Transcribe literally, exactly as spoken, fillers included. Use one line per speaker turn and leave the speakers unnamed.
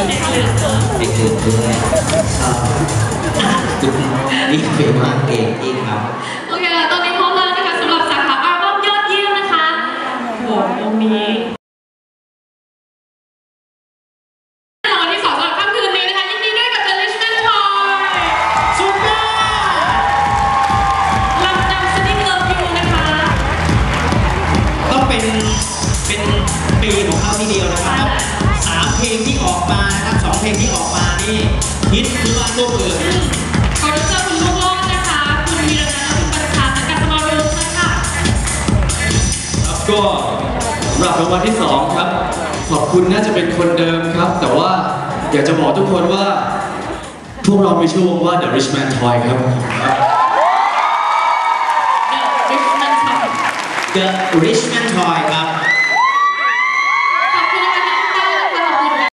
เด็กอื่นด้วยคุณนี่เป็นมากเก่งจริงครับ
โอเคค่ะตอนนี้พร้อมแล้วนะคะสำหรับสาขาอัลบั้มยอดเยี่ยมนะคะโหตรงนี้รางวัลที่สองสำหรับค่ำคืนนี้นะคะยินดีด้วยกับ The Richmond Toy
สุดยอด
ลำนำ Sitting Love You นะคะ
ต้องเป็นเป็นปีของเขาทีเดียวนะครับสามเพลงที่ออกมานะครับสองเพลงที่ออกมานี่ฮิตคือว่าลูกเอือ
ขอรับเชิญคุณลูกโลดนะคะคุณวีรนันท์คุณประชาสังกัดสมาร์ทเวลส์ค่ะ
ครับก็สำหรับรางวัลที่สองครับขอบคุณน่าจะเป็นคนเดิมครับแต่ว่าอยากจะบอกทุกคนว่าพวกเรามีชื่อวงว่า The Richmond Toy ครับ
The Richmond Toy
The Richmond Toy ครับ